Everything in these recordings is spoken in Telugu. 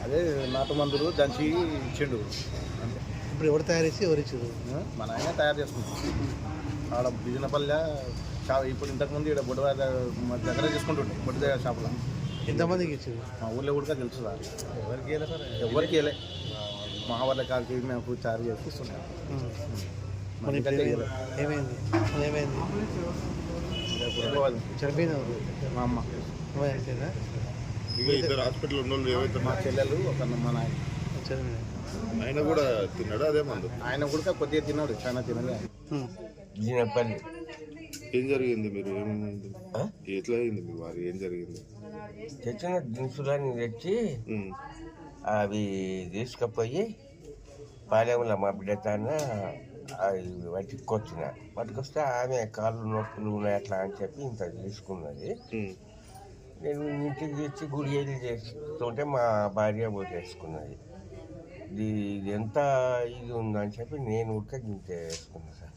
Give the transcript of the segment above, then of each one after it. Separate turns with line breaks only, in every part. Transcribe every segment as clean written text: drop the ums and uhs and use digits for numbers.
అదే నాటు మందులు దంచి ఇచ్చిండు.
ఇప్పుడు ఎవరు తయారు చేసి ఎవరు ఇచ్చారు?
మన ఆయన తయారు చేసుకుంటాం. ఆడ బిజినపల్లె ఇప్పుడు ఇంతకుముందు ఇక్కడ బొడ్డు దగ్గర చేసుకుంటుండే బొడ్డు దగ్గర షాపులో.
ఎంతమందికి ఇచ్చారు?
మా ఊళ్ళో కూడా తెలుసు సార్.
ఎవరికి వెళ్ళా సార్?
ఎవరికి వెళ్ళే మా వాళ్ళ కాకి మేము చారు చేసి ఇస్తున్నాం.
ఏమైంది? చనిపోయిన
మా అమ్మ,
ఇద్దరు హాస్పిటల్ ఉన్న వాళ్ళు ఏవైతే
మా చెల్లెలు, ఒక మా నాయన.
ఆయన కూడా తిన్నాడు అదే మందు.
ఆయన కూడా కొద్దిగా తిన్నాడు, చాలా తినలే.
ఏం జరిగింది? మీరు ఏమైంది? ఎట్లా అయింది మీ వారు? ఏం జరిగింది?
తెచ్చిన దినుసులని తెచ్చి అవి తీసుకుపోయి పాలెంలో మా బిడ్డ తాన అవి పట్టుకొస్తే ఆమె కాళ్ళు నొప్పులు ఉన్నాయి అట్లా అని చెప్పి ఇంత తీసుకున్నది. నేను ఇంటికి తెచ్చి గుడి వెళ్ళి చేస్తుంటే మా భార్య చేసుకున్నది. ఇది ఎంత ఇది ఉందని చెప్పి నేను ఉడక గింత వేసుకున్నా సార్.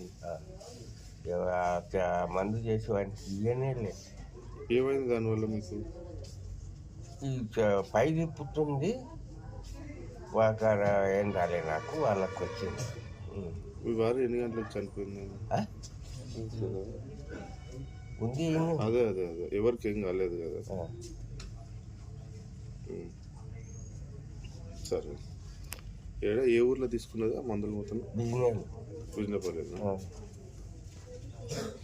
మందు చేసి వాడికి ఇయ్యనే లేదు.
ఏమైంది దానివల్ల మీకు?
ఈ పై తిప్పుతుంది, వాకర ఏం రాలే నాకు, వాళ్ళకి వచ్చింది.
మీ వారు ఎన్ని గంటలకు చనిపోయింది?
ఉంది.
అదే అదే అదే ఎవరికి ఏం కాలేదు కదా. సరే, ఏ ఊర్లో తీసుకున్నది ఆ మందులు మొత్తం?
బిజినెస్
బిజినపల్లి.